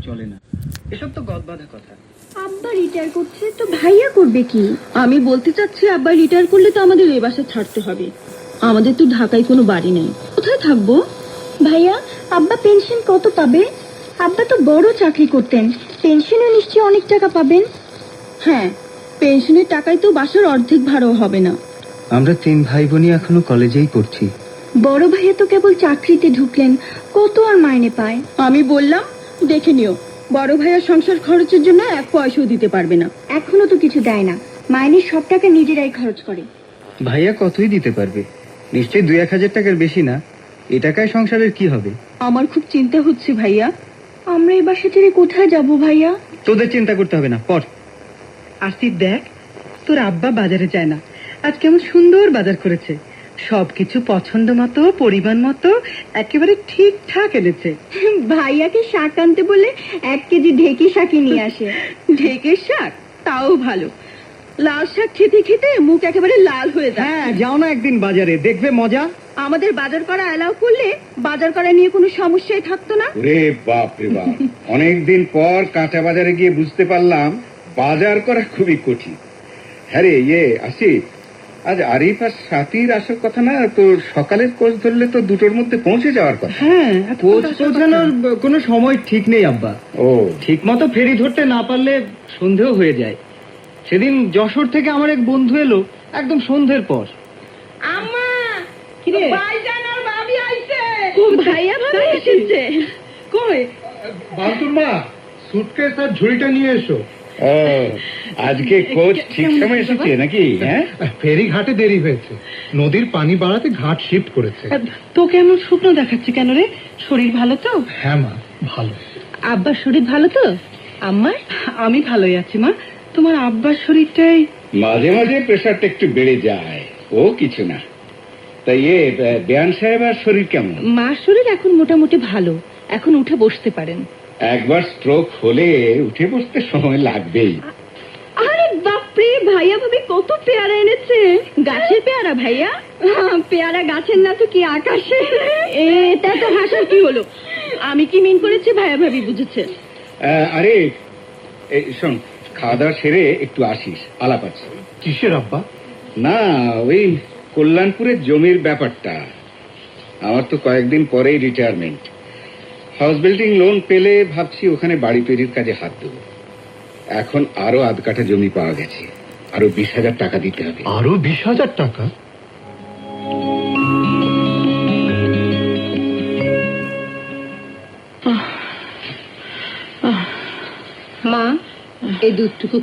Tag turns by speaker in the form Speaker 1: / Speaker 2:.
Speaker 1: চলে না। এসব তো গদবাঁধা কথা।
Speaker 2: আব্বা রিটায়ার করছে তো ভাইয়া করবে কি? আমি বলতে চাচ্ছি আব্বা রিটায়ার করলে তো আমাদের এই বাসা ছাড়তে হবে। আমাদের তো ঢাকায় কোনো বাড়ি নেই, কোথায় থাকবো? ভাইয়া, আব্বা পেনশন কত পাবে? আব্বা তো বড় চাকরি করতেন, পেনশনে নিশ্চয়ই অনেক টাকা পাবেন। হ্যাঁ, পেনশনের টাকায় তো বাসার অর্ধেক ভাড়াও হবে না।
Speaker 1: আমরা 3 ভাই বোনই এখনো কলেজেই পড়ছি।
Speaker 2: বড় ভাইয়া তো কেবল চাকরিতে ঢুকলেন, কত আর মাইনে পায়? আমি বললাম দেখে নিও, বড় ভাইয়া সংসার খরচের জন্য 1 পয়সাও দিতে পারবে না। এখনো তো কিছু দেয় না, মাইনের সব টাকা নিজেরাই খরচ করে।
Speaker 1: ভাইয়া কতই দিতে পারবে? নিশ্চয়ই 2-1 হাজার টাকার বেশি না। এ টাকায় সংসারের কি হবে?
Speaker 2: আমার খুব চিন্তা হচ্ছে ভাইয়া, আমরা এই বাসা ছেড়ে কোথায় যাব ভাইয়া?
Speaker 1: তোদের চিন্তা করতে হবে না, পড়।
Speaker 3: আসিফ, দেখ তোর আব্বা বাজারে যায় না, আজ কেমন সুন্দর বাজার করেছে, সবকিছু পছন্দ মতো পরিমাণ মতো একেবারে ঠিকঠাক এনেছে।
Speaker 2: ভাইয়াকে শাক আনতে বলে 1 কেজি ঢেকি শাকই নিয়ে আসে।
Speaker 3: ঢেকের শাক তাও ভালো, লাল শাক খেতে খেতে মুখ একেবারে লাল হয়ে যায়।
Speaker 1: হ্যাঁ, যাও না একদিন বাজারে, দেখবে মজা।
Speaker 2: আমাদের বাজার করা অ্যালাউ করলে বাজার করা নিয়ে কোনো সমস্যাই থাকতো না।
Speaker 4: রে বাপ রে বাপ, অনেকদিন পর কাঁচা বাজারে গিয়ে বুঝতে পারলাম বাজার করা খুবই কঠিন। হ্যাঁ রে, আসিফ, আজ আরিফ আর সাথীর আসার কথা না? তো সকালের কোচ ধরলে তো 2টোর মধ্যে পৌঁছে যাওয়ার কথা।
Speaker 3: হ্যাঁ,
Speaker 1: কোচ পৌঁছানোর কোনো সময় ঠিক নেই আব্বা।
Speaker 4: ও,
Speaker 1: ঠিক মতো ফেরি ধরতে না পারলে সন্ধেও হয়ে যায়। সেদিন যশোর থেকে আমার এক বন্ধু এলো একদম সন্ধ্যের পর।
Speaker 2: আম্মা,
Speaker 3: কিরে
Speaker 2: ভাইজান আর ভাবি আইছে। ভাইয়া ভাবি এসেছে।
Speaker 3: কই?
Speaker 5: বান্তুর মা, সুটকেস আর ঝুড়িটা নিয়ে এসো।
Speaker 4: ও, আজকে কোচ ঠিক সময় এসেছে নাকি? হ্যাঁ,
Speaker 5: ফেরি ঘাটে দেরি হয়েছে, নদীর পানি বাড়াতে ঘাট শিফট করেছে।
Speaker 3: তোকে এমন শুকনো দেখাচ্ছে কেন রে? শরীর ভালো তো?
Speaker 5: হ্যাঁ মা, ভালো।
Speaker 3: আব্বার শরীর ভালো তো? আম্মার? আমি ভালোই আছি মা, তোমার আব্বার শরীরটাই
Speaker 4: মাঝে মাঝে প্রেশারটা একটু বেড়ে যায়, ও কিছু না। তাই বেয়ান সাহেব আর শরীর কেমন?
Speaker 3: মার শরীর এখন মোটামুটি ভালো, এখন উঠে বসতে পারেন।
Speaker 4: একবার স্ট্রোক হলে উঠে বসতে সময় লাগবেই।
Speaker 2: আরে বাপরে, ভাইয়া ভাবি কত পেয়ারা এনেছে। গাছের পেয়ারা ভাইয়া? পেয়ারা গাছের না তো কি আকাশে। এটা তো হাসার কি হলো? আমি কি মিন করেছি ভাইয়া ভাবি বুঝেছে।
Speaker 4: আরে শোন, খাওয়া দাওয়া সেরে একটু আসিস, আলাপ আছে।
Speaker 5: কিসের আব্বা?
Speaker 4: না, ওই কল্যাণপুরের জমির ব্যাপারটা। আমার তো কয়েকদিন পরেই রিটায়ারমেন্ট। হাউস বিল্ডিং লোন পেলে ভাবছি ওখানে বাড়ি তৈরির কাজে হাত দেবো। এখন আরো 1/2 কাঠা জমি পাওয়া গেছে, আরো 20,000 টাকা দিতে হবে।
Speaker 5: আরো 20,000 টাকা?
Speaker 3: মা, এই দুধটুকু